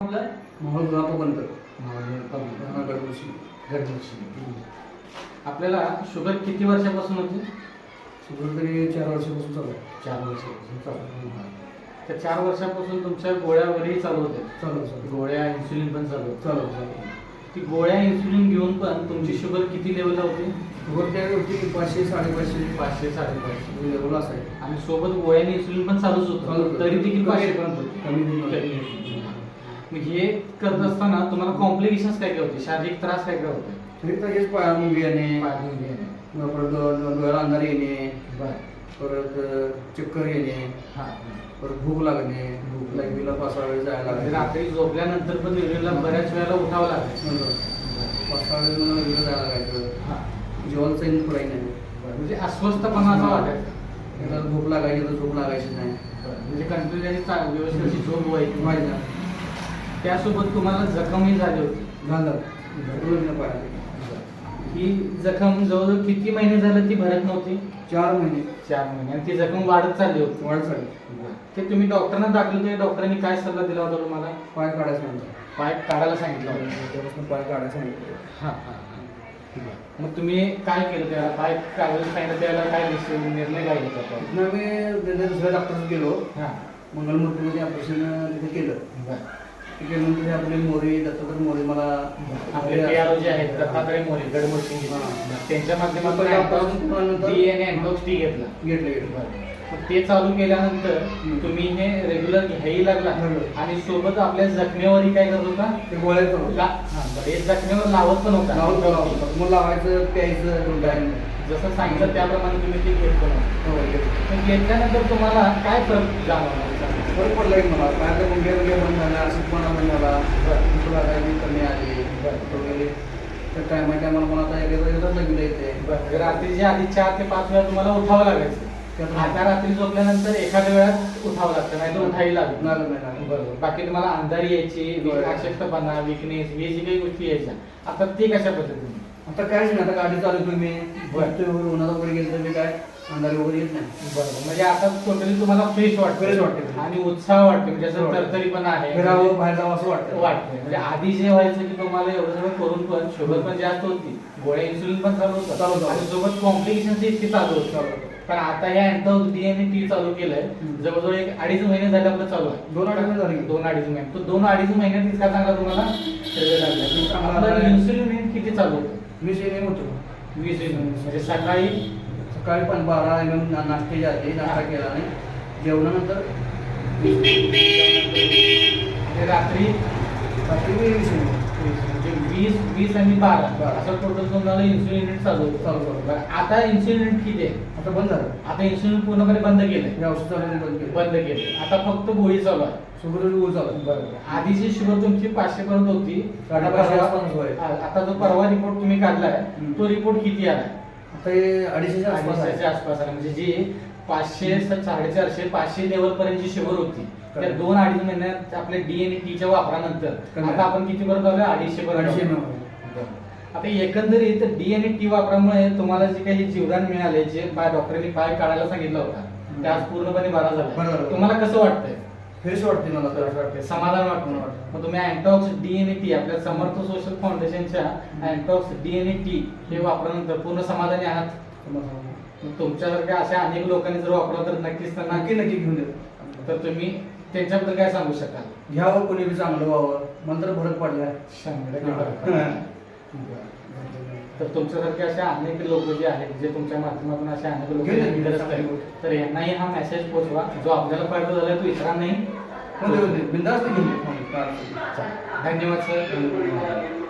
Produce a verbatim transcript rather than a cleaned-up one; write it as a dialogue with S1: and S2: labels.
S1: आपलं
S2: माहोल ग्रामपंत
S1: गडबडशी गडबडशी आपल्याला शुगर किती वर्षापासून होती?
S2: शुगर तरी चार वर्षापासून चालू आहे.
S1: चार वर्षापासून चालू आहे. त्या चार वर्षापासून तुमच्या गोळ्या वगैरे चालू होत्या?
S2: चालू चालू
S1: गोळ्या इन्सुलिन पण चालू होतं?
S2: चालू चालू
S1: ती गोळ्या इन्सुलिन घेऊन पण तुमची शुगर किती लेवलला होती?
S2: शुगर त्या होती पाचशे साडेपाचशे
S1: पाचशे साडेपाचशे
S2: लेवल असाय
S1: आणि सोबत गोळ्याने इन्सुलिन पण चालूच
S2: चालू
S1: होतं,
S2: होतं.
S1: तरी देखील पाचशे
S2: कमी-
S1: पर्यंत होती.
S2: कमी नाही.
S1: कमी. मग हे करत असताना तुम्हाला कॉम्प्लिकेशन्स काय काय होते? शारीरिक त्रास काय काय होते?
S2: तरी तर हेच पाया मुंगी येणे
S1: पायामुळे येणे.
S2: मग परत डो- डो- डोळ्याला अंधार येणे
S1: बरं.
S2: परत अ, चक्कर येणे
S1: हां.
S2: परत भूक लागणे
S1: भूक.
S2: लाईव्हला पाच सहा वेळ जायला
S1: म्हणजे
S2: लागले
S1: रात्री झोपल्यानंतर पण युरिनला बऱ्याच वेळेला उठावं लागेल.
S2: नंतर पाच सहा वेळ मला लाईव्हला जायला लागायचं
S1: हां.
S2: जेवण चैन पुराई नाही
S1: म्हणजे अस्वस्थपणा असं वाटायचं.
S2: एकदा झोप लागायची तर झोप लागायची नाही
S1: म्हणजे कंटिन्युअसली चा- व्यवस्थित अशी झोप व्हायची.
S2: व्हायचं नाही.
S1: त्यासोबत तुम्हाला जखमही झाली होती.
S2: झालं रोज न पाहिजे
S1: ही जखम जवळजवळ किती महिने झालं ती भरत नव्हती?
S2: चार महिने
S1: चार महिने. आणि ती जखम वाढत चालली होती.
S2: वाढ झाली
S1: ते तुम्ही डॉक्टरांना दाखल होते, डॉक्टरांनी काय सल्ला दिला होता तुम्हाला?
S2: पाय काढायचं नंतर
S1: पाय काढायला सांगितलं होतं.
S2: त्यापासून पाय काढायचं सांगितलं.
S1: हां हां हां. मग तुम्ही काय केलं त्याला? पाय काढायला सांगितलं त्याला काय निश्चय निर्णय काय घेतला होता?
S2: तिथनं आम्ही तिथे दुसऱ्या डॉक्टरकडे गेलो
S1: हां.
S2: मंगलमूर्तीमध्ये ऑपरेशन तिथे केलं
S1: बरं.
S2: ते केल्यानंतर आपले मोरे दत्तात्रय मोरे मला
S1: आपले पी आर ओ जे आहेत दत्तात्रय मोरे गडमुडशी
S2: हां.
S1: त्यांच्या माध्यमातून
S2: पहिला operation केल्यानंतर
S1: डी एन अँटॉक्स टी घेतला.
S2: घेतलं घेतलं
S1: मग ते चालू केल्यानंतर तुम्ही हे रेग्युलर घ्यायला लागला
S2: बरोबर.
S1: आणि सोबत आपल्या जखमेवरही काय करत होता?
S2: ते गोळ्या करून
S1: ला- हां, बरं. हे जखमेवर लावत पण होता.
S2: लावून लावून मग लावायचं प्यायचं दोन
S1: जसं सांगितलं त्याप्रमाणे तुम्ही ते घेत पण होता. मग घेतल्यानंतर तुम्हाला काय फरक जाणवला?
S2: बरं पडलं की मला पायाचं मुंग्या मुंग्या बंद झाल्या अशक्तपणा बंद झाला भूक लागायची कमी आली वगैरे तर टायमा टायमाला मला आता एकदा एकदाच लागलं येते
S1: बरं. रात्रीच्या आधी चार ते पाच वेळा तुम्हाला उठावं लागायचं.
S2: त्यात
S1: आता रात्री झोपल्यानंतर एखाद्या वेळात उठावं लागतं, नाही तर उठाही लागत नाही.
S2: लागलं नाही लागलं
S1: बरोबर. बाकी तुम्हाला अंधारी यायची,
S2: बरोबर.
S1: अशक्तपणा, विकनेस हे जी काही गोष्टी यायच्या, आता ते कशा पद्धतीने?
S2: आता काहीच नाही आता गाडी चालू तुम्ही
S1: बरं.
S2: वगैरे उन्हाचा वगैरे गेलं तर मी काय अंधारी वगैरे येत नाही
S1: बरोबर. म्हणजे आता टोटली तुम्हाला फ्रेश वाटतं.
S2: Fresh वाटतं.
S1: आणि उत्साह वाटतो, म्हणजे असं
S2: वाटतं.
S1: तरतरी पण आहे.
S2: फिरावं बाहेर जावं असं वाटतं
S1: वाटतं. म्हणजे आधी जे व्हायचं की तुम्हाला एवढं सगळं करून पण शुगर पण जास्त होती, गोळ्या इन्सुलिन पण चालू होतं
S2: चालू होतं.
S1: आणि सोबत कॉम्प्लिकेशन इतकी चालू होतं.
S2: चालू होतं.
S1: पण आता या अँटॉक्स डी एन टी चालू केलंय,
S2: हम्म.
S1: जवळजवळ एक अडीच महिने झाले आपलं चालू आहे.
S2: दोन अडीच महिने झाले.
S1: दोन अडीच महिने. तो दोन अडीच महिन्यात इतका चांगला तुम्हाला result लागला.
S2: चांगला
S1: आपलं
S2: लागला.
S1: इन्सुलिन किती चालू होतं?
S2: मी सेम होतो
S1: वीस युनिट. म्हणजे सकाळी
S2: सकाळी पण बारा एम एम नाश्ते जाते नाश्ता केला आणि जेवणानंतर
S1: म्हणजे रात्री
S2: रात्री मी वीस एम एम.
S1: म्हणजे वीस वीस आणि बारा
S2: बारा.
S1: असं टोटल तुम्हाला इन्सुलिन युनिट चालू होतं.
S2: चालू होतं.
S1: बरं. आता इन्सुलिन युनिट किती आहे?
S2: आता बंद झालं
S1: आता इन्सुलिन पूर्णपणे बंद केलंय.
S2: हे औषध चालू बंद केलं
S1: बंद केलं. आता फक्त गोळी चालू आहे.
S2: शुगर गोळ चालू
S1: बरोबर. आधीची शुगर तुमची पाचशे पर्यंत होती. आता
S2: साडेपाचशे
S1: परवा-
S2: आसपास होय.
S1: आ- आता जो परवा रिपोर्ट तुम्ही काढलाय
S2: हम्म.
S1: तो रिपोर्ट किती आलाय?
S2: आता हे अडीचशेच्या आसपास आहे.
S1: अडीचशेच्या आसपास आला. म्हणजे जी पाचशे साडेचारशे पाचशे लेवल पर्यंत जी शुगर होती त्या
S2: Correct.
S1: दोन अडीच महिन्यात आपल्या डीएनए टीच्या वापरानंतर
S2: कमी.
S1: आता आपण किती पर्यंत आलोय? अडीचशे पर्यंत
S2: अडीचशे
S1: आलोय.
S2: एम एम.
S1: बरं. आता एकंदरीत डीएनए टी वापरामुळे तुम्हाला जे काही जीवदान मिळाले, जे पाय डॉक्टरांनी पाय काढायला सांगितलं होता ते आज पूर्णपणे बरा
S2: बरं
S1: झाला.
S2: झालं.
S1: तुम्हाला कसं वाटतंय?
S2: फ्रेश वाटते मला तर.
S1: असं वाटतंय, समाधान वाटतं.
S2: वाटतं.
S1: मग तुम्ही अँटॉक्स डीएनए टी आपल्या समर्थ सोशल फाउंडेशनच्या अँटॉक्स डीएनए टी हे वापरल्यानंतर पूर्ण समाधानी आहात? मग तुमच्यासारख्या अशा अनेक लोकांनी जर वापरलं तर नक्कीच त्यांना
S2: नक्की नक्की घेऊन देतो
S1: तर तुम्ही त्यांच्याबद्दल काय सांगू शकाल?
S2: घ्यावं कोणी बी चांगलं व्हावं मंत्र फरक पडलाय
S1: शंभर टक्के फरक पडला. तर तुमच्यासारखे अशा अनेक लोक जे आहेत जे तुमच्या माध्यमातून अशा अनेक लोक
S2: घेऊन येतील.
S1: ग्रस्त आहेत, तर यांनाही हा मेसेज पोहोचवा. जो आपल्याला फायदा झाला तो इतरांनाही
S2: बिंदास्त घेऊन दे.
S1: धन्यवाद सर.